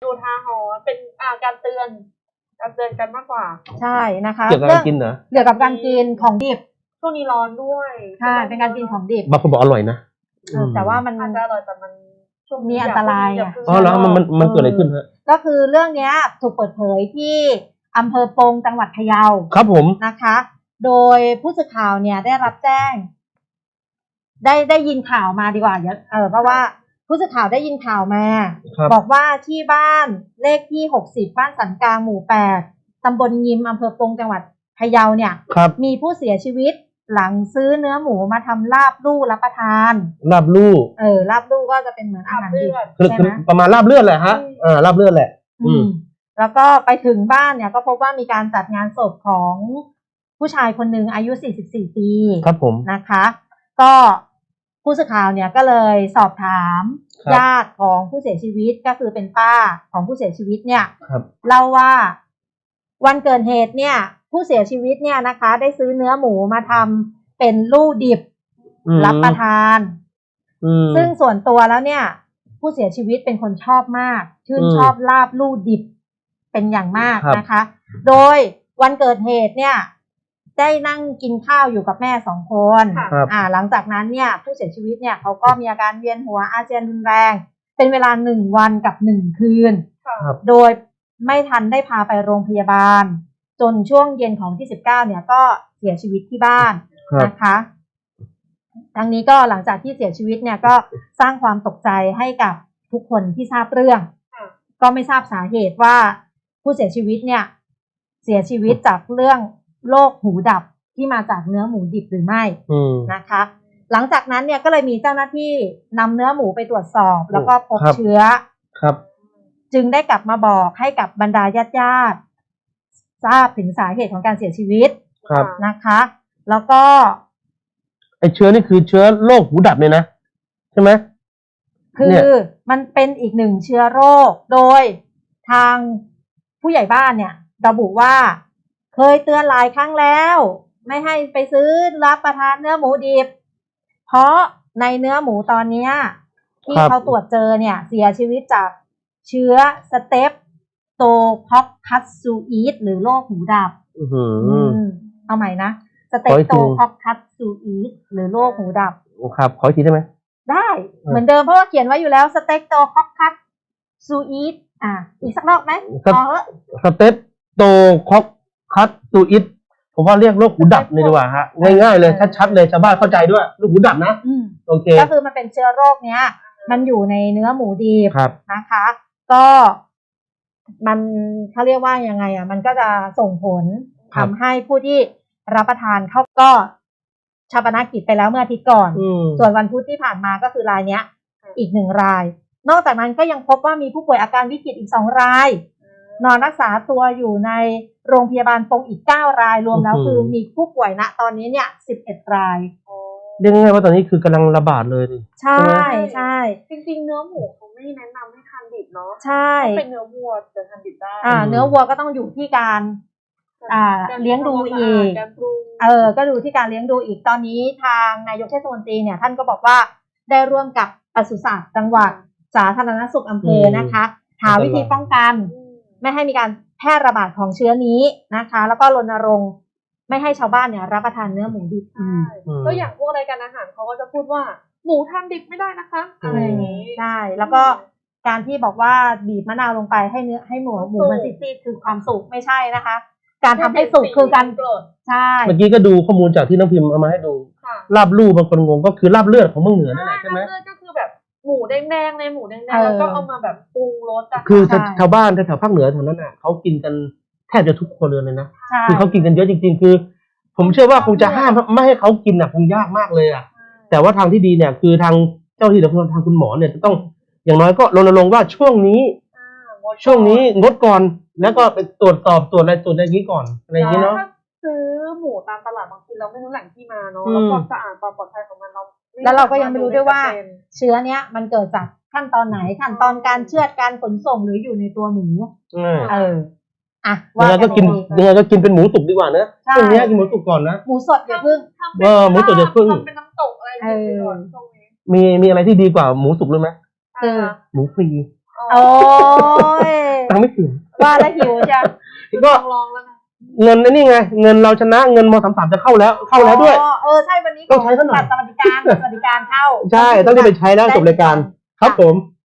อุทาหรณ์เป็นการเตือนกันมากกว่าใช่นะคะเกี่ยวกับการกินเหรอเกี่ยวกับการกินของดิบช่วงนี้ร้อนด้วยใช่เป็นการกินของดิบบางคนบอกอร่อยนะแต่ว่ามันอาจจะอร่อยแต่มันมีอันตรายอ๋อแล้วมันเกิดอะไรขึ้นฮะก็คือเรื่องนี้ถูกเปิดเผยที่อำเภอปงจังหวัดพะเยาครับผมนะคะโดยผู้สื่อข่าวเนี่ยได้รับแจ้งได้ยินข่าวมาดีกว่าเพราะว่าผู้สื่อข่าวได้ยินข่าวมาบอกว่าที่บ้านเลขที่60บ้านสันกลางหมู่8ตำบลยิมอำเภอปงจังหวัดพะเยาเนี่ยมีผู้เสียชีวิตหลังซื้อเนื้อหมูมาทำลาบลู่รับประทานลาบลู่ลาบลู่ก็จะเป็นเหมือนอาหารดิบใช่ไหมประมาณลาบเลือดแหละฮะลาบเลือดแหละแล้วก็ไปถึงบ้านเนี่ยก็พบว่ามีการจัดงานศพของผู้ชายคนหนึ่งอายุ44ปีครับผมนะคะก็ผู้สื่อข่าวเนี่ยก็เลยสอบถามญาติของผู้เสียชีวิตก็คือเป็นป้าของผู้เสียชีวิตเนี่ยเล่าว่าวันเกิดเหตุเนี่ยผู้เสียชีวิตเนี่ยนะคะได้ซื้อเนื้อหมูมาทำเป็นลู่ดิบรับประทานซึ่งส่วนตัวแล้วเนี่ยผู้เสียชีวิตเป็นคนชอบมากชื่นชอบลาบลู่ดิบเป็นอย่างมากนะคะโดยวันเกิดเหตุเนี่ยได้นั่งกินข้าวอยู่กับแม่2 คนหลังจากนั้นเนี่ยผู้เสียชีวิตเนี่ยเขาก็มีอาการเวียนหัวอาเจียนรุนแรงเป็นเวลา1 วันกับ1 คืนโดยไม่ทันได้พาไปโรงพยาบาลจนช่วงเย็นของที่19เนี่ยก็เสียชีวิตที่บ้านนะคะทั้งนี้ก็หลังจากที่เสียชีวิตเนี่ยก็สร้างความตกใจให้กับทุกคนที่ทราบเรื่องก็ไม่ทราบสาเหตุว่าผู้เสียชีวิตเนี่ยเสียชีวิตจากเรื่องโรคหูดับที่มาจากเนื้อหมูดิบหรือไม่นะคะหลังจากนั้นเนี่ยก็เลยมีเจ้าหน้าที่นำเนื้อหมูไปตรวจสอบแล้วก็พบเชื้อจึงได้กลับมาบอกให้กับบรรดาญาติทราบถึงสาเหตุของการเสียชีวิตนะคะแล้วก็ไอเชื้อนี่คือเชื้อโรคหูดับเลยนะใช่ไหมคือมันเป็นอีกหนึ่งเชื้อโรคโดยทางผู้ใหญ่บ้านเนี่ยระบุว่าเคยเตือนหลายครั้งแล้วไม่ให้ไปซื้อรับประทานเนื้อหมูดิบเพราะในเนื้อหมูตอนนี้ที่เขาตรวจเจอเนี่ยเสียชีวิตจากเชื้อสเตปโตคอกคัสซูอีสหรือโรคหูดับเอาใหม่นะสเตปโตคอกคัสซูอีสหรือโรคหูดับครับขออีกทีได้ไหมได้เหมือนเดิมเพราะว่าเขียนไว้อยู่แล้วสเตปโตคอกคัสซูอีสอีกสักรอบไหมสเตปโตคอกคัสซูอิสผมว่าเรียกโรคหูดับเลยดีกว่าฮะง่ายๆเลยชัดๆเลยชาวบ้านเข้าใจด้วยโรคหูดับนะโอเคก็คือมันเป็นเชื้อโรคเนี้ยมันอยู่ในเนื้อหมูดิบนะคะก็มันเขาเรียกว่ายังไงมันก็จะส่งผลทำให้ผู้ที่รับประทานเขาก็ชาปนกิจไปแล้วเมื่ออาทิตย์ก่อนส่วนวันพุธที่ผ่านมาก็คือรายเนี้ยอีก1 รายนอกจากนั้นก็ยังพบว่ามีผู้ป่วยอาการวิกฤตอีก2 รายนอนรักษาตัวอยู่ในโรงพยาบาลปงอีก9 รายรวมแล้วคือมีผู้ป่วยณตอนนี้เนี่ย11 รายเรียกง่ายๆว่าตอนนี้คือกำลังระบาดเลยใช่ใช่จริงๆเนื้อหมูเขาไม่แนะนำให้ทานดิบเนาะใช่เป็นเนื้อวัวจะทานดิบได้เนื้อวัวก็ต้องอยู่ที่การเลี้ยงดูอีกก็ดูที่การเลี้ยงดูอีกตอนนี้ทางนายกเทศมนตรีเนี่ยท่านก็บอกว่าได้ร่วมกับปศุสัตว์จังหวัดสาธารณสุขอำเภอนะคะหาวิธีป้องกันไม่ให้มีการแพร่ระบาดของเชื้อนี้นะคะแล้วก็รณรงค์ไม่ให้ชาวบ้านเนี่ยรับประทานเนื้อหมูดิบก็อย่างพวกรายการอาหารเขาก็จะพูดว่าหมูทานดิบไม่ได้นะคะอะไรอย่างนี้ใช่แล้วก็การที่บอกว่าบีบมะนาวลงไปให้หมูมันซีดๆคือความสุกไม่ใช่นะคะการทำให้สุกคือการใช่เมื่อกี้ก็ดูข้อมูลจากที่น้องพิมพ์เอามาให้ดูลาบลู่บางคนงงก็คือลาบเลือดของเมืองเหนือนั่นแหละใช่ไหมลาบเลือดก็คือแบบหมูแดงๆในหมูแดงๆแล้วก็เอามาแบบปรุงรสคือชาวบ้านแถวภาคเหนือแถวนั้นน่ะเขากินกันแทบจะทุกคนเลยนะคือเขากินกันเยอะจริงๆคือผมเชื่อว่าคงจะห้ามไม่ให้เขากินคงยากมากเลยแต่ว่าทางที่ดีเนี่ยคือทางเจ้าที่หรือทางคุณหมอเนี่ยจะต้องอย่างน้อยก็รณรงค์ว่าช่วงนี้งดก่อนแล้วก็ไปตรวจสอบตรวจอะไรนี้ก่อนอะไรอย่างนี้เนาะซื้อหมูตามตลาดบางทีเราไม่รู้แหล่งที่มาเนาะแล้วความสะอาดความปลอดภัยของมันแล้วเราก็ยังไม่รู้ด้วยว่าเชื้อเนี้ยมันเกิดจากขั้นตอนไหนขั้นตอนการเชือดการขนส่งหรืออยู่ในตัวหมูยังไงก็กินเป็นหมูสุกดีกว่านะช่วงนี้กินหมูสุกก่อนนะหมูสดอย่าพึ่งหมูสดอย่าพึ่งเป็นน้ำตกอะไรก่อนช่วงนี้มีอะไรที่ดีกว่าหมูสุกรู้ไหมคือหมูฟรีโอ้ยตังค์ไม่ถึงว่าแล้วหิวจ้ะก็ลองแล้วนะเงินนี่ไงเงินเราชนะเงินม.33จะเข้าแล้วด้วยใช่วันนี้ต้องใช้ซะหน่อยบัตรสวัสดิการเข้าใช่ต้องรีบไปใช้แล้วจบรายการครับผม